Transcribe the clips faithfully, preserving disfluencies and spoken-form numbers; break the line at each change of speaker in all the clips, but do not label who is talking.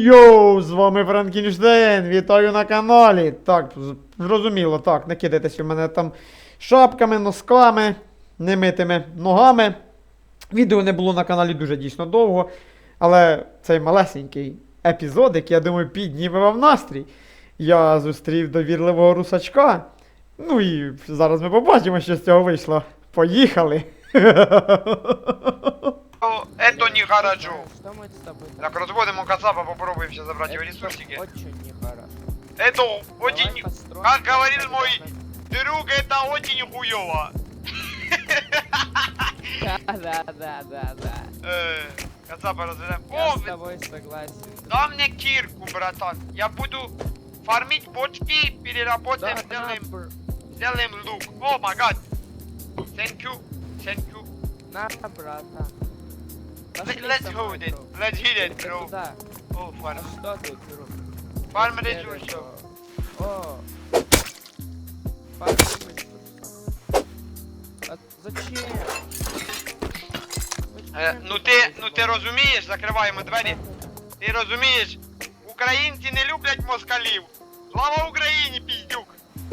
Йоу, з вами Франкенштейн, вітаю на каналі. Так, зрозуміло, так, не кидайтесь у мене там шапками, носками, немитими ногами. Відео не було на каналі дуже дійсно довго, але цей малесенький епізодик, я думаю, підніме вам настрій. Я зустрів довірливого русачка. Ну і зараз ми побачимо, що з цього вийшло. Поїхали!
Это не хорошо.
Что мы с тобой
Так, разводим у Кацапа, попробуем сейчас забрать его ресурсики.
очень нехорошо.
Это
Давай
очень,
построим
как
что-то
говорил мой
достаточно-
друг, это очень хуёво.
Да, да, да, да, да.
Э, Кацапа разведем.
Я
О,
с тобой согласен.
дай мне кирку, братан. Я буду фармить почки, переработаем,
Да,
сделаем,
на, бр-
сделаем лук. О, май гад. Thank you, thank you.
на, братан. Пошли
Let's
со
hold
мной,
it,
бро.
let's hit it,
Ты
bro.
куда?
О,
А
фарм.
что тут, бро?
Фарм
Теперь
ресурсов.
это- О. Фарм ресурсов. А зачем?
Е,
Зачем
ну
ты
ти,
так
ну ти
делаешь?
розумієш, закриваємо двері. Ти розумієш, українці не люблять москалів. Слава Україні, піздюк!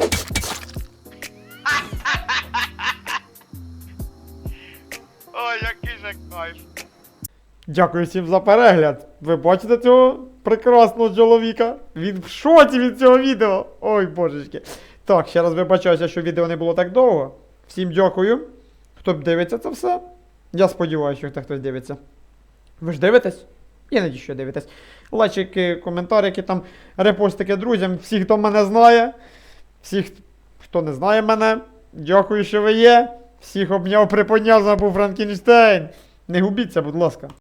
Ой, який же кайф.
Дякую всім за перегляд. Ви бачите цього прекрасного чоловіка? Він в шоці від цього відео. Ой, божечки. Так, ще раз вибачаюся, що відео не було так довго. Всім дякую, хто дивиться це все. Я сподіваюся, що хтось дивиться. Ви ж дивитесь? Я надію, що дивитесь. Лайчики, коментарики, там, репостики друзям, всі, хто мене знає. Всіх, хто не знає мене, дякую, що ви є. Всіх обняв, приподняв, забув Франкенштейн. Не губіться, будь ласка.